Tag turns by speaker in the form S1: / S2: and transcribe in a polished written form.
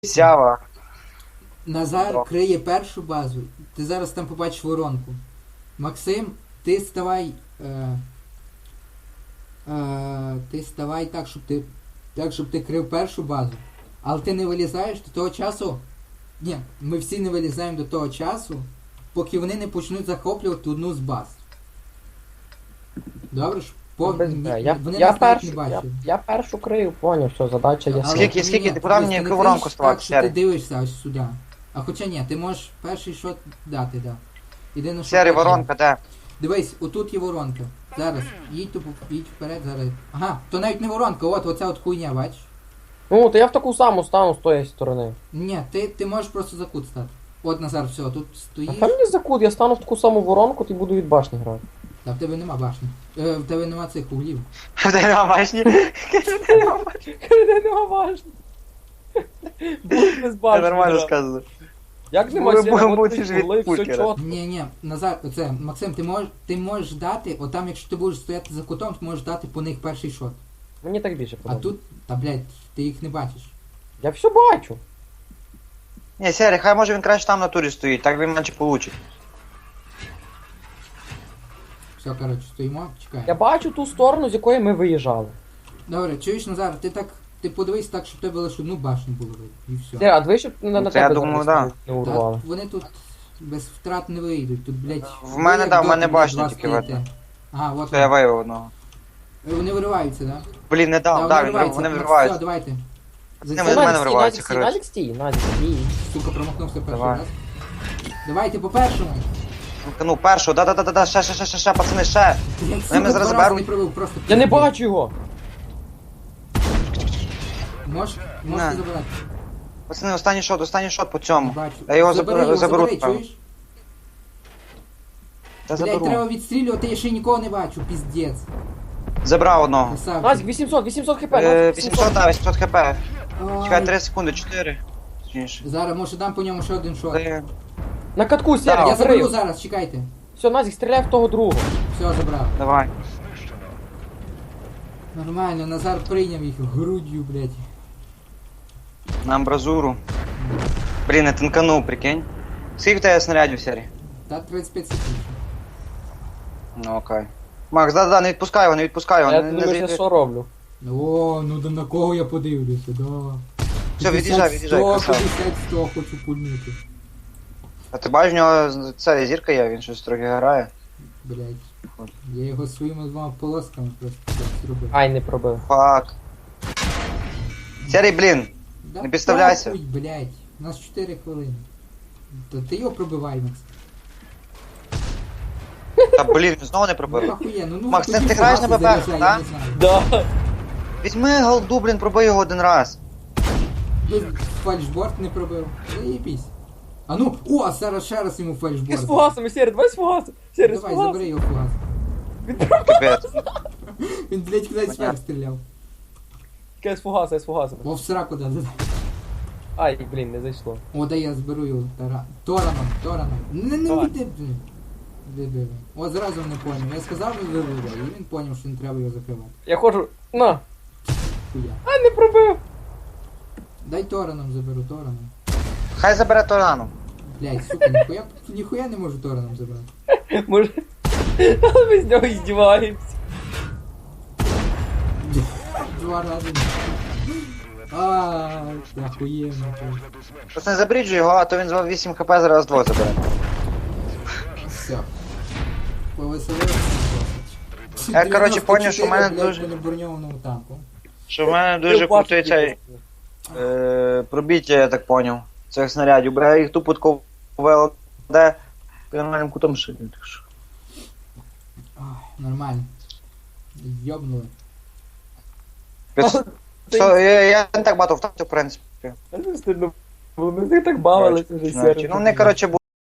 S1: Сява.
S2: Назар
S1: О.
S2: криє першу базу. Ти зараз там побачиш воронку. Максим, ти ставай. Ти ставай так, щоб ти крив першу базу. Але ти не вилізаєш до того часу. Ні, ми всі не вилізаємо до того часу, поки вони не почнуть захоплювати одну з баз. Добре ж? Вони
S3: Я
S2: нас навіть не
S3: першу,
S2: бачать.
S3: я першу крию, поняв, що задача є.
S2: Але
S1: Скільки?
S2: ні,
S1: Ти куди мені
S2: не
S1: яку воронку
S2: криш
S1: ставати,
S2: так, що ти
S1: Сергій?
S2: дивишся ось сюди. А хоча ні, ти можеш перший шот дати, да. Єдине, що
S1: Сері,
S2: потім.
S1: воронка, де?
S2: Дивись, отут є воронка. Зараз. Їдь вперед, зараз. Ага, то навіть не воронка, оця от хуйня, бачиш?
S3: Ну, то я в таку саму стану з тої сторони.
S2: Ні, ти можеш просто за кут стати. От Назар, все, тут
S3: А
S2: стоїш.
S3: там не закут, я стану в таку саму воронку, ти буду від башні грати.
S2: Та в тебе нема башні. В тебе нема цих углів.
S1: Де нема башні?
S3: Нема башні. Будь без башні.
S1: Нормально
S3: грати.
S1: сказано.
S3: Як нема
S1: Ми
S3: сіра,
S1: будемо
S3: от
S1: бути
S3: ти
S1: ж від
S3: були, все
S1: пульки,
S3: чітко.
S2: Ні, Назар, оце, Максим, ти можеш дати, отам, якщо ти будеш стояти за кутом, ти можеш дати по них перший шот.
S3: Мені так більше
S2: А
S3: подобається.
S2: тут, та блядь, ти їх не бачиш.
S3: Я все бачу.
S1: Ні, Сері, хай може він краще там на турі стоїть, так він менше получить.
S2: Все, коротше, стоїмо, чекаємо.
S3: Я бачу ту сторону, з якої ми виїжджали.
S2: Добре, чуєш, Назар, ти подивись так, щоб тебе лише одну башню було видно, і все.
S3: Сіра, а двічі на
S1: це я
S3: тебе
S1: думаю,
S3: зараз
S1: да.
S3: не урвали.
S2: Та вони тут без втрат не вийдуть, тут, блядь...
S1: В мене,
S2: ви
S1: да,
S2: як
S1: в мене
S2: доти,
S1: башня
S2: блядь,
S1: тільки
S2: два
S1: видно.
S2: стоїте. Ага, от
S1: То я
S2: вони.
S1: виявив одного.
S2: Вони вириваються, да?
S1: Блін, не дав,
S2: Да,
S1: да,
S2: вириваються.
S1: вони
S2: Ну,
S1: вириваються.
S2: Все, давайте.
S1: Вони в мене вириваються, коротше.
S3: Назік стій, Назік стій.
S2: Сука, промахнувся перший
S1: Давай.
S2: раз. Давайте по першому.
S1: Ну, першого, да, ще, пацани, ще.
S2: Блядь,
S1: Вони мене зараз
S2: два рази
S1: заберуть.
S2: не пробив, просто...
S3: Я не бачу його.
S2: Можеш
S1: На.
S2: забирати.
S1: Пацани, останній шот по
S2: Не
S1: цьому.
S2: бачу.
S1: Я його
S2: Забери,
S1: заберу,
S2: чуєш?
S1: Та
S2: Блядь, треба
S1: заберу.
S2: відстрілювати, я ще нікого не бачу, піздець.
S1: Забрав одного.
S2: Красавчик.
S3: Назік, 800 хп, Назік,
S1: 800, да, 800 хп.
S2: Ай.
S1: Чекай, 3 секунди, 4. Точніше.
S2: Зараз, може, дам по ньому ще один шот.
S3: На катку, Сіра,
S1: Да,
S3: я
S2: Я заберу
S3: закрив.
S2: зараз, чекайте.
S3: Все, Назік, стріляй в того другого.
S2: Все, забрав.
S1: Давай.
S2: Нормально, Назар прийняв їх грудью, блядь.
S1: На амбразуру. Блін, я тинканув, прикинь. Скільки в тебе снарядів, Сері?
S2: Та 35 секунд.
S1: Ну окей. Макс, да, не відпускай його, не відпускай його.
S3: Я
S1: Не
S3: думаю, я
S1: зайди.
S3: що роблю?
S2: О, ну да на кого я подивлюся, да.
S1: Все, від'їжджай,
S2: 50,
S1: красава.
S2: 100 хочу пульнути.
S1: А ти бачиш, в нього це зірка є, він щось трохи грає.
S2: Блядь. Я його своїми двома полосками просто так зробив.
S3: Ай, не пробив.
S1: Фак. Сері, блін.
S2: Да
S1: не підставляйся.
S2: похуй, блядь. У нас 4 хвилини. То ти його пробивай, Макс.
S1: Та блін, він знову не
S2: Ну
S1: пробив.
S2: охуєнно, ну
S1: Макс,
S2: тоді
S1: ти граєш на
S2: фугаси
S1: БП,
S2: заряджай,
S1: да?
S2: я не знаю.
S3: Да.
S1: Візьми голду, блін, пробий його один раз.
S2: Тут фальшборд не пробив. Заєбісь. А ну, о, зараз ще раз йому
S3: Ти з
S2: фальшборд.
S3: фугасами, Сіра, давай з фугасами. Сіра, з
S2: Давай, забери
S3: фугасами.
S2: його фугас.
S1: Капець.
S2: Він, блядь, кудись
S1: Понятно.
S2: вверх стріляв.
S3: Я з фугаса, я з фугасами.
S2: О, в сраку да.
S3: Ай, блін, не зайшло.
S2: О, да я зберу його Тораном. Не
S3: Давай.
S2: йди, блін. Дебіли. О, зразу не поняв. Я сказав, що виведе, і він поняв, що не треба його закривати.
S3: Я ходжу, на.
S2: Хуя.
S3: А, не пробив.
S2: Дай Тораном заберу, Тораном.
S1: Хай забере Торану.
S2: Блядь, сука, ніхуя не можу Тораном забрати.
S3: Може... Ми з нього іздіваємося.
S2: Два рази. Ааа, охуєнно.
S1: Просто не забріджуй його, а то він з 8 хп зараз 2 забере.
S2: Все. Повеселився.
S1: Я, коротше, поняв, що в мене дуже-
S2: на броньованому танку.
S1: Що в мене дуже крутий цей пробіття, я так поняв, цих снарядів. Бо я їх тупо тако ВЛД під нормальним кутом шию. Так що.
S2: Ой, нормально. Йобнули.
S1: Я не так багато втратив, в принципі.
S3: Це стидно було, ми з них так бавилися вже, Сіра.
S1: Ну, вони, коротше,